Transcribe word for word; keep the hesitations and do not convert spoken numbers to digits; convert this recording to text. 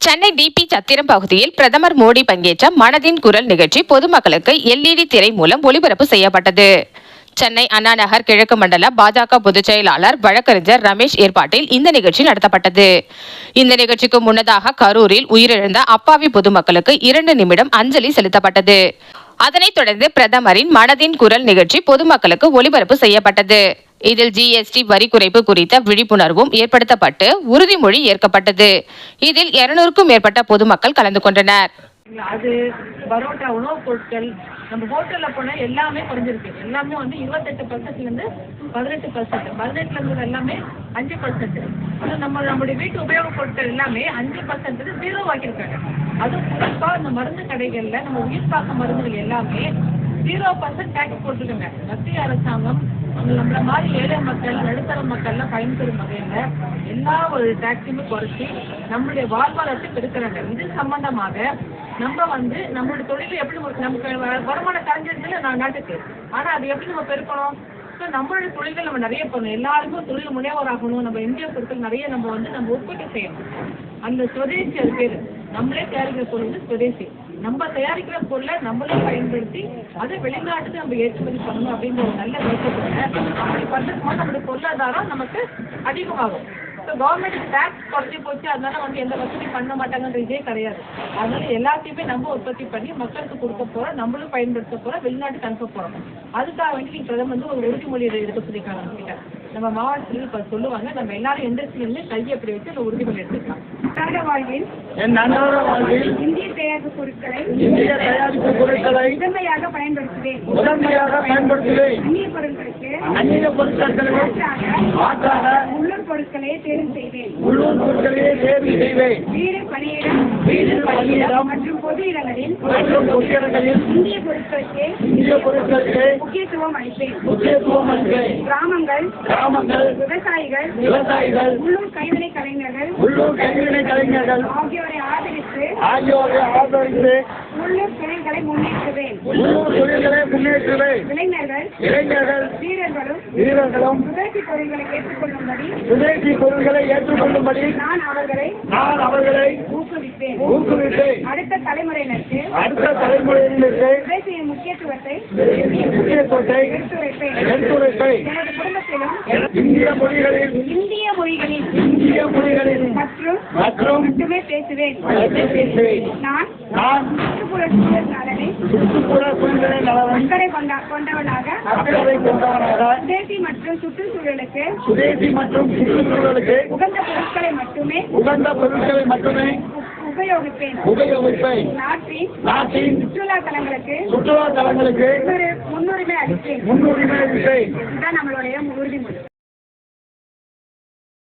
Chennai DP சத்திரம் பகுதியில் பிரதமர் மோடி பங்கேற்ற மனதின் குரல் நிகழ்ச்சி பொதுமக்களுக்கு எல்இடி திரை மூலம் ஒளிபரப்பு செய்யப்பட்டது. சென்னை அண்ணா நகர் கிழக்கு மண்டல பாஜக பொதுச் செயலாளர் வழக்கறிஞர் ரமேஷ் ஏற்பாட்டில் இந்த நிகழ்ச்சி நடத்தப்பட்டது. இந்த நிகழ்ச்சிக்கு முன்னதாக கரூரில் உயிரிழந்த அப்பாவி பொதுமக்களுக்கு இரண்டு நிமிடம் அஞ்சலி செலுத்தப்பட்டது. அதனைத் தொடர்ந்து பிரதமரின் மனதின் குரல் நிகழ்ச்சி பொதுமக்களுக்கு ஒளிபரப்பு செய்யப்பட்டது. இதில் ஜிஎஸ்டி வரி குறைப்பு குறித்த விழிப்புணர்வும் ஏற்படுத்தப்பட்டு உறுதிமொழி ஏற்கப்பட்டது. இதில் இருநூறுக்கும் மேற்பட்ட பொதுமக்கள் கலந்து கொண்டனர். அது பரோட்டா உணவுப் பொருட்கள் நம்ம ஹோட்டல்ல போனா எல்லாமே குறைஞ்சிருக்கு. எல்லாமே வந்து இருபத்தெட்டு பர்சன்ட்ல இருந்து பதினெட்டு பர்சன்ட் பதினெட்டுல இருந்து எல்லாமே அஞ்சு பர்சன்ட் நம்ம நம்மளுடைய வீட்டு உபயோகப் பொருட்கள் எல்லாமே அஞ்சு பர்சன்ட் ஜீரோ ஆக்கியிருக்காங்க. அதுவும் குறிப்பா இந்த மருந்து கடைகள்ல நம்ம உயிர் காக்க மருந்துகள் எல்லாமே ஜீரோ பர்சன்ட் டேக்ஸ் போட்டுருக்காங்க. மத்திய அரசாங்கம் நம்மள மாதிரி ஏழை மக்கள் நடுத்தர மக்கள்லாம் பயன்பெறும் வகையில எல்லா ஒரு டாக்ஸையுமே குறைச்சி நம்மளுடைய வாழ்வாதாரத்தை பெருக்கிறாங்க. இது சம்பந்தமாக நம்ம வந்து நம்மளுடைய தொழில் எப்படி நமக்கு வருமானம் கரைஞ்சிருச்சுல நான் நாட்டுக்கு, ஆனா அது எப்படி நம்ம பெருக்கணும்? ஸோ நம்மளுடைய தொழில்கள் நம்ம நிறைய பண்ணணும். எல்லாருக்கும் தொழில் முனைவோர் ஆகணும். நம்ம இந்திய பொருட்கள் நிறைய நம்ம வந்து நம்ம உற்பத்தி செய்யணும். அந்த சுதேசி அது பேரு. நம்மளே தயாரிக்கிற பொருள் வந்து சுதேசி. நம்ம தயாரிக்கிற பொருளை நம்மளே பயன்படுத்தி அதை வெளிநாட்டுக்கு நம்ம ஏற்றுமதி பண்ணணும் அப்படின்ற ஒரு நல்ல நோக்கத்துல அப்படி பண்ணுறது போது நம்மளுடைய பொருளாதாரம் நமக்கு அதிகமாகும். ஸோ கவர்மெண்ட் டேக்ஸ் குறைஞ்சி போச்சு, அதனால வந்து எந்த வசதி பண்ண மாட்டாங்கன்ற இதே கிடையாது. அதனால எல்லாத்தையுமே நம்ம உற்பத்தி பண்ணி மக்களுக்கு கொடுக்க போறோம், நம்மளும் பயன்படுத்த போறோம், வெளிநாட்டுக்கு அனுப்ப போறோம். அதுக்காக வேண்டி நீங்க பிரதமர் வந்து ஒரு உறுதிமொழி எடுக்க சொல்லியிருக்காங்க. நம்ம கிட்ட நம்ம மாவட்டத்தில் இப்ப சொல்லுவாங்க, நம்ம எல்லாரும் இண்டஸ்ட்ரியிலுமே கையை அப்படி வச்சு அந்த உறுதிமொழி எடுத்துக்கலாம். இந்திய தயாரிப்பு பொருட்களை இந்திய தயாரிப்பு பொருட்களை முதன்மையாக பயன்படுத்துவேன் முதன்மையாக பயன்படுத்துவேன். அந்நிய பொருட்களுக்கு அந்நிய பொருட்களுக்கு மாற்றாக உள்ளூர் பொருட்களையே தேர்வு செய்வேன். உள்ளூர் பொருட்களையே தேர்வு செய்வேன். வீடு பணியிடம் வீடு பணியிடம் மற்றும் பொது இடங்களில் மற்றும் பொது இடங்களில் இந்திய பொருட்களுக்கு இந்திய பொருட்களுக்கு முக்கியத்துவம் அளிப்பேன். முக்கியத்துவம் அளிப்பேன். கிராமங்கள் கிராமங்கள் விவசாயிகள் விவசாயிகள் உள்ளூர் கைவினை கலைஞர்கள் உள்ளூர் கைவினை கலைஞர்கள் ஆகியோரை ஆதரித்து ஆகியோரை ஆதரித்து உள்ளூர் தொழில்களை முன்னேற்றுவேன். உள்ளூர் தொழில்களை முன்னேற்றுவேன். இளைஞர்கள் இளைஞர்கள் வீரர்களும் வீரர்களும் சுதேசி பொருட்களை ஏற்றுக்கொள்ளும்படி சுதேசி பொருட்களை ஏற்றுக்கொள்ளும்படி நான் அவர்களை நான் அவர்களை ஊக்குவிப்பேன். ஊக்குவிப்பேன். அடுத்த தலைமுறையினருக்கு அடுத்த தலைமுறையினருக்கு சுதேசியின் முக்கியத்துவத்தை முக்கியத்துவத்தை எடுத்துரைப்பேன். எடுத்துரைப்பேன். எனது குடும்பத்திலும் இந்திய மொழிகளில் இந்திய மொழிகளில் இந்திய மொழிகளில் மற்றும் மற்றும் மட்டுமே பேசுவேன். பேசுவேன். நான் நான் சுற்றுப்புற சூழல் நலனை சுற்றுப்புற சூழ்நிலை நலன் அக்கறை கொண்ட கொண்டவனாக அக்கறை கொண்டவனாக சுதேசி மற்றும் சுற்றுச்சூழலுக்கு சுதேசி மற்றும் சுற்றுச்சூழலுக்கு உகந்த பொருட்களை மட்டுமே உகந்த பொருட்களை மட்டுமே உபயோகிப்பேன். உபயோகிப்பேன். நாட்டின் நாட்டின் சுற்றுலா தலங்களுக்கு சுற்றுலா தலங்களுக்கு முன்னுரிமை அளிப்பேன். முன்னுரிமை அளிப்பேன். இதுதான் நம்மளுடைய உறுதிமொழி.